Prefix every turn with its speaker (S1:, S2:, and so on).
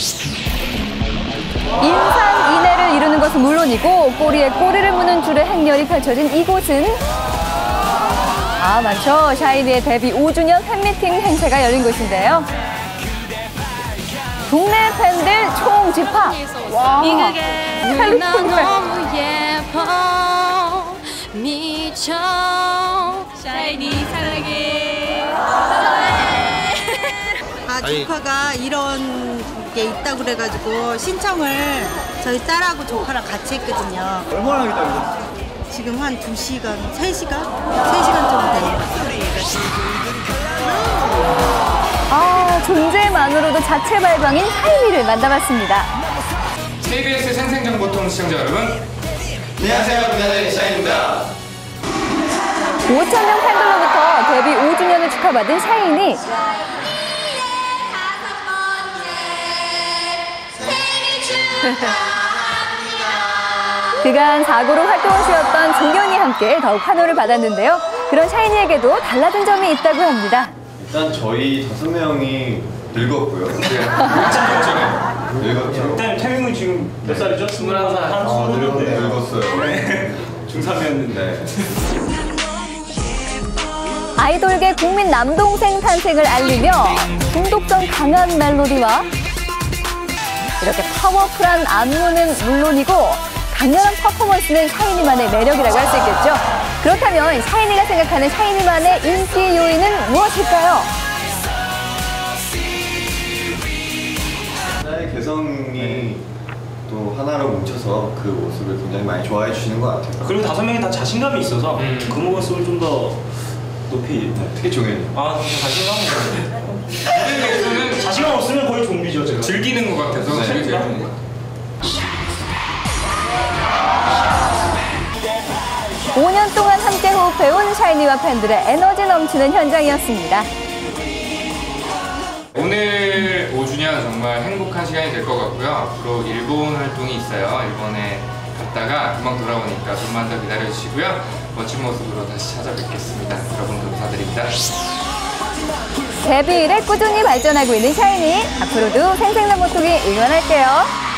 S1: 인산인해를 이루는 것은 물론이고 꼬리에 꼬리를 무는 줄의 행렬이 펼쳐진 이곳은 많죠. 샤이니의 데뷔 5주년 팬미팅 행사가 열린 곳인데요. 동네 팬들 총집합. 와.
S2: 너무 예뻐 미쳐 샤이니 사랑해.
S3: 조카가 이런 게 있다고 그래가지고 신청을 저희 딸하고 조카랑 같이 했거든요.
S4: 얼마나 기다리셨어요?
S3: 지금 한 2시간, 3시간? 3시간 정도 되는 것 같아요.
S1: 존재만으로도 자체 발광인 샤이니를 만나봤습니다.
S5: KBS 생생정보통 시청자 여러분,
S4: 안녕하세요, 부자의 샤이니입니다.
S1: 5,000명 팬들로부터 데뷔 5주년을 축하받은 샤이니. 그간 사고로 활동을 쉬었던 종현이 함께 더욱 환호를 받았는데요. 그런 샤이니에게도 달라진 점이 있다고 합니다.
S4: 일단 저희 5명이 늙었고요. 늙었죠.
S6: 일단 태명은 지금 몇 살이죠? 21살. 한 20대.
S4: 늙었어요.
S6: 중3이었는데.
S1: 아이돌계 국민 남동생 탄생을 알리며 중독성 강한 멜로디와 이렇게 파워풀한 안무는 물론이고 강렬한 퍼포먼스는 샤이니만의 매력이라고 할 수 있겠죠. 그렇다면 샤이니가 생각하는 샤이니만의 인기 요인은 무엇일까요?
S4: 하나의 개성이 또 하나로 뭉쳐서 그 모습을 굉장히 많이 좋아해 주시는 것 같아요.
S6: 그리고 5명이 다 자신감이 있어서 그 모습을 좀 더 높이.
S4: 특히 종현이.
S6: 자신감은 자신감 없으면 거의 좀비죠, 제가.
S5: 즐기는 것 같아서
S4: 네.
S5: 제일 좋은 것 같아요.
S1: 5년 동안 함께 호흡해온 샤이니와 팬들의 에너지 넘치는 현장이었습니다.
S5: 오늘 5주년 정말 행복한 시간이 될 것 같고요. 앞으로 일본 활동이 있어요. 일본에 갔다가 금방 돌아오니까 좀만 더 기다려주시고요. 멋진 모습으로 다시 찾아뵙겠습니다. 여러분 감사드립니다.
S1: 데뷔 이래 꾸준히 발전하고 있는 샤이니. 앞으로도 생생남보통이 응원할게요.